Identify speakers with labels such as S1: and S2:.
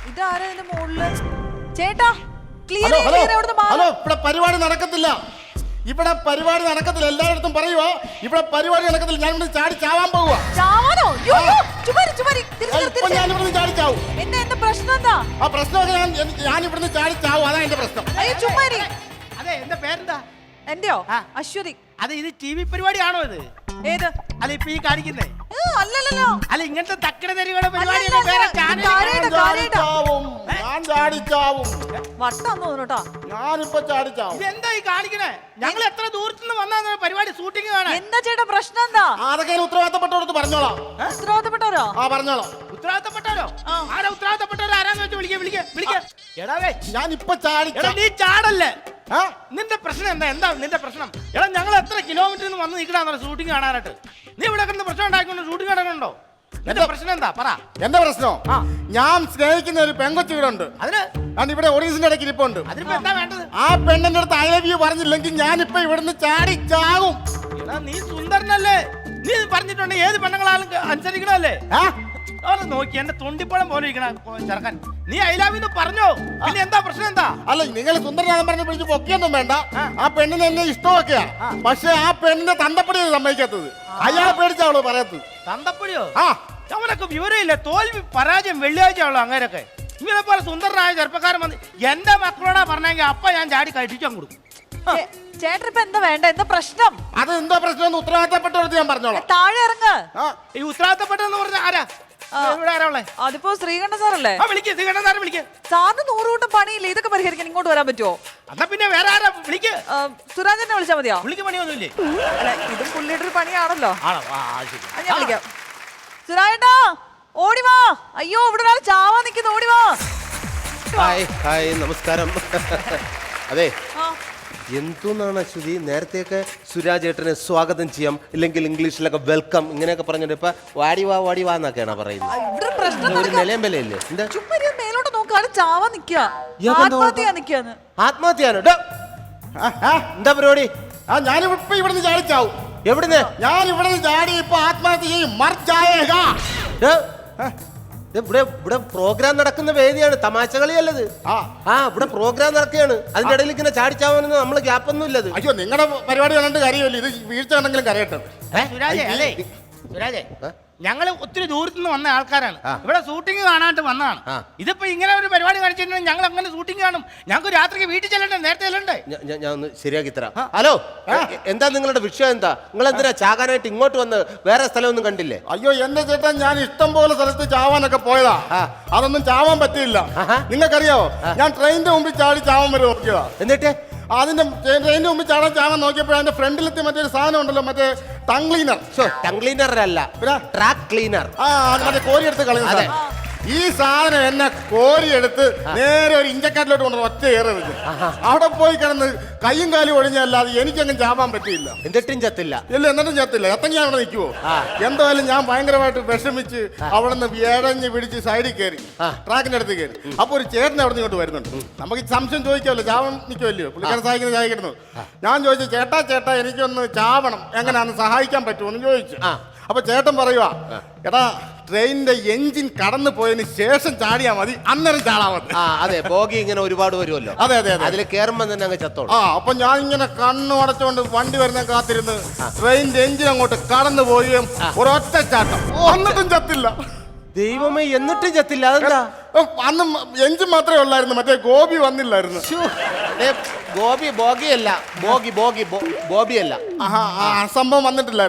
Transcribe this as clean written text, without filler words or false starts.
S1: ഇതാരാ ഇതിന്റെ മുകളില്? ചേട്ടാ ക്ലിയർ
S2: ഹലോ, ഇവിടെ പരിപാടി നടക്കത്തില്ല. ഇവിടെ പരിപാടി നടക്കത്തില്ല. എല്ലായിടത്തും പറയുവാ ഇവിടെ പരിപാടി നടക്കത്തില്ല. ഞാൻ ഇവിടെ ചാടി ചാവാൻ പോവുക.
S1: ചാവാനോ?
S2: ഞാൻ ഇവിടുന്ന് ചാടി ചാവും.
S1: എന്താ പ്രശ്നം? എന്താ
S2: ആ പ്രശ്നമൊക്കെ ഞാൻ ഇവിടുന്ന് ചാടി ചാവും. അതാ എന്റെ പ്രശ്നം.
S1: അയ്യോ ചുമ്മാരി.
S3: അതെ, എന്റെ പേരെന്താ?
S1: എന്റെയോ? അശ്വതി.
S3: അതെ, ഇത് ടി വി പരിപാടിയാണോ ഇത്?
S1: ഏത്?
S3: അല്ല, ഇപ്പൊ ഈ കാണിക്കുന്നേ?
S1: അല്ലല്ലോ.
S3: അല്ല, ഇങ്ങനത്തെ തക്കട തരികളുടെ പരിപാടി
S2: ഞാൻ ചാടിച്ചാവും.
S1: വട്ടാന്ന് തോന്നുട്ടോ.
S2: ഞാനിപ്പോ ചാടിച്ചാവും.
S3: ഇതെന്താ ഈ കാണിക്കണേ? ഞങ്ങൾ എത്ര ദൂരത്തുനിന്ന് വന്നാ പരിപാടി ഷൂട്ടിംഗ് കാണാൻ?
S1: എന്താ ചേട്ടാ പ്രശ്നം? എന്താ
S2: അതൊക്കെ ഉത്തരവാദിത്തപ്പെട്ടവർക്ക് പറഞ്ഞോളാം.
S1: ഉത്തരവാദിത്തപ്പെട്ടവരോ?
S2: ആ പറഞ്ഞോളാം.
S3: ഉത്തരവാദിത്തപ്പെട്ടവരോ? ആരാ ഉത്തരവാദിത്തപ്പെട്ടവരോ? ആരാന്ന് വെച്ച് വിളിക്ക. എടാവേ,
S2: ഞാനിപ്പോ ചാടി.
S3: നീ ചാടല്ലേ? നിന്റെ പ്രശ്നം എന്താ നിന്റെ പ്രശ്നം? എടാ, ഞങ്ങൾ എത്ര കിലോമീറ്ററിൽ നിന്ന് വന്ന് നിൽക്കണ ഷൂട്ടിംഗ് കാണാനായിട്ട്. നീ ഇവിടെ കിടന്ന് പ്രശ്നം ഉണ്ടാക്കിക്കൊണ്ട് ഷൂട്ടിംഗ് നടക്കണുണ്ടോ? എന്റെ പ്രശ്നം എന്താ പറ.
S2: എന്റെ പ്രശ്നം, ഞാൻ സ്നേഹിക്കുന്ന ഒരു പെങ്കൊച്ചു ഇവിടെ ഉണ്ട്. അതിന് ഇവിടെ ഒറീസിന്റെ ഇടയ്ക്ക് ഇരിപ്പുണ്ട്.
S3: അതിനിപ്പോ എന്താ വേണ്ടത്?
S2: ആ പെണ്ണിന്റെ അടുത്ത് ഐ ലവ് യു പറഞ്ഞില്ലെങ്കിൽ ഞാനിപ്പോ ഇവിടുന്ന് ചാടി ചാകും.
S3: എടാ, നീ സുന്ദരനല്ലേ? നീ പറഞ്ഞിട്ടുണ്ട് ഏത് പെണ്ണുങ്ങളാലും അനുസരിക്കണല്ലേ? അവിടെ നോക്കി എന്റെ തൊണ്ടിപ്പഴം പോലെ ഇരിക്കണ ചെറുക്കൻ. നീ ഐ ലവ് യു പറഞ്ഞോ? പിന്നെ എന്താ പ്രശ്നം? എന്താ?
S2: അല്ല, നിങ്ങൾ സുന്ദരനാഥൻ പറഞ്ഞ് പിടിച്ച് പൊക്കിയൊന്നും വേണ്ട. ആ പെണ്ണിന് എന്നെ ഇഷ്ടമൊക്കെയാ. പക്ഷെ ആ പെണ്ണിന്റെ തന്തപ്പടി സമ്മതിക്കാത്തത്. അയാളെ പേടിച്ചാവളോ പറയത്തത്.
S3: തന്തപ്പടിയോ? അവനൊക്കെ വിവരമില്ല. തോൽവി പരാജയം വെള്ളിയാഴ്ചയാണല്ലോ അങ്ങനെയൊക്കെ. ഇങ്ങനെ പോലെ സുന്ദരനായ ചെറുപ്പക്കാരൻ വന്ന് എന്റെ മക്കളോടാ പറഞ്ഞെങ്കിൽ അപ്പ ഞാൻ ചാടി കഴിച്ചാൻ കൊടുക്കും.
S1: ചേട്ടൻ ഇപ്പൊ എന്താ വേണ്ട? എന്താ പ്രശ്നം?
S2: അത് എന്താ പ്രശ്നം? ഉത്തരവാദിത്തപ്പെട്ടവർക്ക് ഞാൻ പറഞ്ഞോളാം.
S1: താഴെ ഇറങ്ങ്.
S3: ഈ ഉത്തരവാദിത്തപ്പെട്ടെന്ന് പറഞ്ഞ ആരാ? ഇവിടെ ആരാ ഉള്ളേ?
S1: അതിപ്പോ ശ്രീകണ്ഠ സാറല്ലേ?
S3: ശ്രീകണ്ഠൻ സാറെ വിളിക്ക്.
S1: സാറിന് 100 കൂട്ടം പണിയില്ല. ഇതൊക്കെ പരിഹരിക്കാൻ ഇങ്ങോട്ട് വരാൻ പറ്റുമോ?
S3: എന്നാ പിന്നെ വേറെ ആരാ? വിളിക്ക്.
S1: സുരാജനെ വിളിച്ചാ മതിയോ?
S3: വിളിക്ക്, പണിയൊന്നുമില്ലേ?
S1: അല്ല, ഇതും പുള്ളിയുടെ ഒരു പണിയാണല്ലോ.
S3: ആണോ?
S1: ഞാൻ വിളിക്കാം. സുരാജേട്ടാ ഓടി വാ. അയ്യോ, ഇവിടെ ഒരാൾ ചാവാൻ നിൽക്കുന്നു. ഓടി വാ.
S4: ഹായ് നമസ്കാരം. അതെ, എന്തോന്നാണ് അശ്വതി, നേരത്തെയൊക്കെ സുരാജ് ഏട്ടനെ സ്വാഗതം ചെയ്യാം, ഇല്ലെങ്കിൽ ഇംഗ്ലീഷിലൊക്കെ വെൽക്കം ഇങ്ങനെയൊക്കെ പറഞ്ഞിട്ട് ഇപ്പൊ വാടി വാ എന്നൊക്കെയാണ് പറയുന്നത്. ഒരു നിലയം വിലയില്ലേ? എന്താ
S1: മേലോട്ട് നോക്കാതെ ചാവാൻ നിക്കാ.
S4: ആത്മഹത്യാണ്? എന്താ പരിപാടി?
S2: ഞാനിപ്പോ ഇവിടുന്ന് ചാടി ചാവും.
S4: എവിടുന്ന്?
S2: ഞാൻ ഇവിടുന്ന് ചാടി ഇപ്പൊ ആത്മഹത്യ ചെയ്യും.
S4: ഇവിടെ പ്രോഗ്രാം നടക്കുന്ന വേദിയാണ്, തമാശ കളിയല്ലത്. ഇവിടെ പ്രോഗ്രാം നടക്കുകയാണ്. അതിന്റെ ഇടയിൽ ഇങ്ങനെ ചാടിച്ചാവാനൊന്നും നമ്മള് ഗ്യാപ്പൊന്നും ഇല്ലത്.
S2: അയ്യോ, നിങ്ങളുടെ പരിപാടി കണ്ടിട്ട് കാര്യമല്ലേ. ഇത് വീഴ്ച കണ്ടെങ്കിലും കരയട്ടെ.
S3: സുരാജേ, ഞങ്ങള് ഒത്തിരി ദൂരത്തുനിന്ന് വന്ന ആൾക്കാരാണ്. ഇവിടെ ഷൂട്ടിംഗ് കാണാനായിട്ട് വന്നതാണ്. ഇതിപ്പോ ഇങ്ങനെ ഒരു പരിപാടി കാണിച്ചിട്ടുണ്ടെങ്കിൽ ഞങ്ങൾ അങ്ങനെ ഷൂട്ടിംഗ് കാണും. ഞങ്ങൾക്ക് രാത്രിക്ക് വീട്ടിൽ ചെല്ലണ്ടേ? നേരത്തെ ചെല്ലണ്ടേ?
S4: ഞാൻ ഒന്ന് ശരിയാക്കി തരാം. ഹലോ, എന്താ നിങ്ങളുടെ വിഷയം? എന്താ നിങ്ങൾ എന്തിനാ ചാകാനായിട്ട് ഇങ്ങോട്ട് വന്ന്? വേറെ സ്ഥലമൊന്നും കണ്ടില്ലേ?
S2: അയ്യോ, എന്റെ ചേട്ടാ, ഞാൻ ഇഷ്ടം പോലെ സ്ഥലത്ത് ചാവാനൊക്കെ പോയതാ. അതൊന്നും ചാവാൻ പറ്റില്ല. നിങ്ങൾക്കറിയാവോ, ഞാൻ ട്രെയിനിന്റെ മുമ്പിൽ ചാടി ചാവാൻ വരെ നോക്കിയതാ.
S4: എന്നിട്ട്
S2: അതിന്റെ ട്രെയിനിന്റെ മുമ്പിൽ ചാവാൻ നോക്കിയപ്പോൾ അതിന്റെ ഫ്രണ്ടിലെത്തി മറ്റൊരു സാധനം ഉണ്ടല്ലോ, മറ്റേ ടങ് ക്ലീനർ.
S4: ടങ് ക്ലീനർ അല്ല, ട്രാക്ക് ക്ലീനർ.
S2: മറ്റേ കോരിയെടുത്ത് കളയുന്ന സാധനം. ഈ സാധനം എന്നെ കോരിയെടുത്ത് നേരെ ഒരു ഇഞ്ചക്കാട്ടിലോട്ട് കൊണ്ടു ഒറ്റ ഏറെ വെച്ചു. അവിടെ പോയി കിടന്ന് കയ്യും കാലും ഒഴിഞ്ഞല്ലാതെ എനിക്കങ്ങ് ചാവാൻ പറ്റിയില്ല.
S4: എന്നിട്ടും ചത്തില്ല? ഇല്ല,
S2: എന്നിട്ടും ചത്തില്ല. എത്തങ്ങി അവിടെ നിൽക്കുവോ? എന്തായാലും ഞാൻ ഭയങ്കരമായിട്ട് വിഷമിച്ച് അവിടെ നിന്ന് വേടഞ്ഞ് പിടിച്ച് സൈഡിൽ കയറി, ട്രാക്കിന്റെ അടുത്ത് കയറി. അപ്പൊ ഒരു ചേട്ടൻ അവിടെ നിന്ന് ഇങ്ങോട്ട് വരുന്നുണ്ട്. നമുക്ക് സംശയം ചോദിക്കാമല്ലോ, ചാവാൻ നിൽക്കുമല്ലോ, പുള്ളിക്കാരൻ സഹായിക്കുന്നത്. ഞാൻ ചോദിച്ചു, ചേട്ടാ എനിക്കൊന്ന് ചാവണം, എങ്ങനെയാന്ന് സഹായിക്കാൻ പറ്റുമോ എന്ന് ചോദിച്ചു. അപ്പൊ ചേട്ടൻ പറയുവാ, എടാ, ട്രെയിനിന്റെ എഞ്ചിൻ കടന്നു പോയതിന് ശേഷം ചാടിയാ മതി, അന്നേരം ചാടാ മതി.
S4: അതെ, ബോഗി ഇങ്ങനെ ഒരുപാട് വരുമല്ലോ.
S2: അതെ,
S4: അതിൽ കയറുമ്പോ തന്നെ അങ്ങ് ചത്തോളൂ.
S2: അപ്പൊ ഞാൻ ഇങ്ങനെ കണ്ണു അടച്ചുകൊണ്ട് വണ്ടി വരുന്ന കാത്തിരുന്ന് ട്രെയിനിന്റെ എഞ്ചിൻ അങ്ങോട്ട് കടന്നു പോവുകയും ഒരൊറ്റ ചാട്ടം, എന്നിട്ടും ചത്തില്ല.
S4: ദൈവമേ, എന്നിട്ടും ചത്തില്ല? അതെന്താ?
S2: അന്ന് എഞ്ചിൻ മാത്രമേ ഉള്ളായിരുന്നു, മറ്റേ ഗോപി വന്നില്ലായിരുന്നു.
S4: ബോഗിയല്ല, ബോബിയല്ല,
S2: സംഭവം വന്നിട്ടില്ല.